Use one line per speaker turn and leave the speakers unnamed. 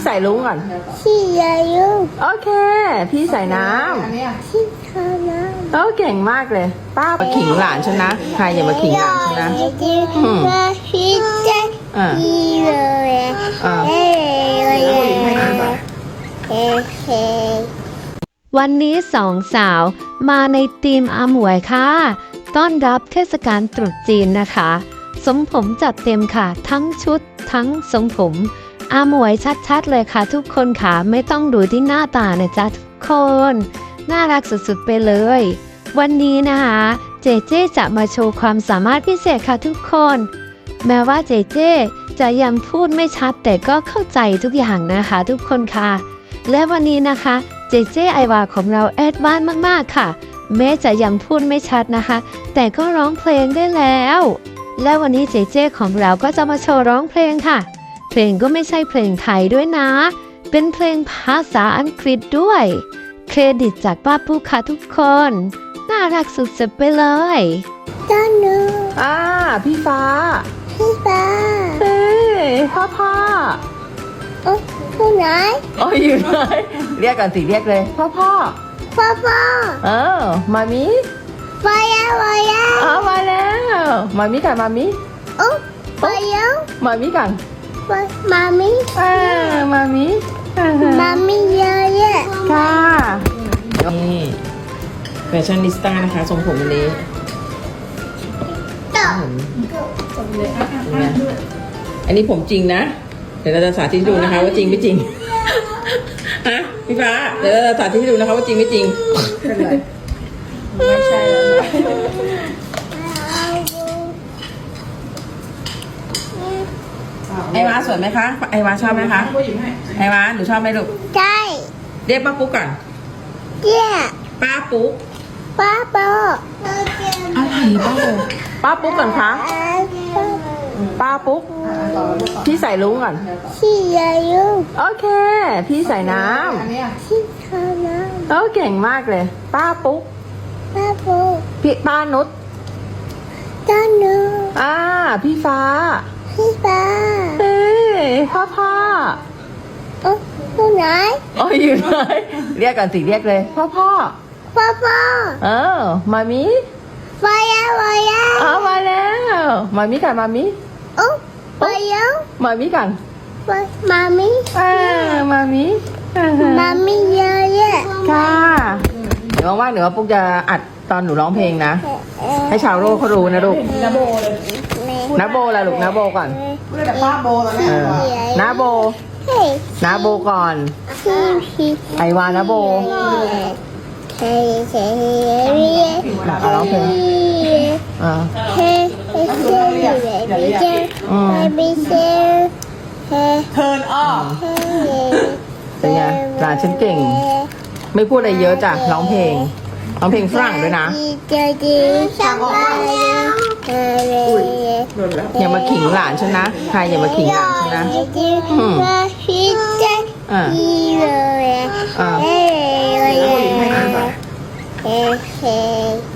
ใส่ลุงก่อน
พี่ใส่ลุง
โอเคพี่ใส่น้ำ
พี่ทาน้ำ
โอ้เก่งมากเลยป้ามาขิงหลานฉันนะใครอย่ามาขิงหลานฉันนะ
พี่จะพี่เลย
วันนี้สองสาวมาในทีมอาหมวยค่ะต้อนรับเทศกาลตรุษจีนนะคะทรงผมจัดเต็มค่ะทั้งชุดทั้งทรงผมอาหมวยชัดๆเลยค่ะทุกคนค่ะไม่ต้องดูที่หน้าตานะจ๊ะทุกคนน่ารักสุดๆไปเลยวันนี้นะคะเจเจจะมาโชว์ความสามารถพิเศษค่ะทุกคนแม้ว่าเจเจจะยังพูดไม่ชัดแต่ก็เข้าใจทุกอย่างนะคะทุกคนค่ะและวันนี้นะคะเจเจไอวาของเราแอดวานซ์มากๆค่ะแม้จะยังพูดไม่ชัดนะคะแต่ก็ร้องเพลงได้แล้วและวันนี้เจเจของเราก็จะมาโชว์ร้องเพลงค่ะเพลงก็ไม่ใช่เพลงไทยด้วยนะเป็นเพลงภาษาอังกฤษด้วยเครดิตจากป้าปุ๊กค่ะทุกคนน่ารักสุดๆไปเลย
จ้าหนู
พี่ฟ้าเฮ้พ่อ
โอ้ผู้ไหน
อยู่ไหนเรียกก่อนสิเรียกเลยพ่อมามิ
มาแล้ว
มาแล้วมามิกันมามิ
มาแล้ว
มามิกัน
มามิ
มามิ
เยอะ
ค่ะนี่แฟชั่นนิสต้านะคะทรงผมวันนี้อันนี้ผมจริงนะเดี๋ยวเราจะสาธิตดูนะคะว่าจริงไม่จริงฮะพี่ฟ้าเดี๋ยวเราจะสาธิตดูนะคะว่าจริงไม่จริงไม่ใช่แล้วไอวาสวยไหมคะไอวาชอบไหมคะไอวาหนูชอบไหมลูก
ใช่
เรียกป้าปุ๊กก่อนป้าปุ๊กอะไรป้าปุ๊กก่อนคะป้าปุ๊กพี่ใส่ลุงก่อน
พี่ใส่ลุง
โอเคพี่ใส่น้
ำพี่ทาน้ำ
โอ้เก่งมากเลยป้าปุ๊กพี่ป้านุช
จ้าหนู
พี่ฟ้าเฮ้พ่อ
ผู้ไหน
อยู่ไหนเรียกก่อนสิเรียกเลยพ่อมามิ
มาแล้ว
มาแล้วมามิกันมามิ
มาแล้ว
มามิกัน
มามิเยอะ
ค่ะเดี๋ยวว่างๆเดี๋ยวปุ๊กจะอัดตอนหนูร้องเพลงนะให้ชาวโลกเขารู้นะลูกนาโบละลูกนาโบก่อน
ป้าโบแล้ว
นาโบก่อนไอวานาโบร้องเพลง
เทิร์นออฟ
เป็นไงหลานฉันเก่งไม่พูดอะไรเยอะจ้ะร้องเพลงฝรั่งด้วยนะอย่ามาขิงหลานฉันนะใครอย่ามาขิงหลานฉันนะ
พี่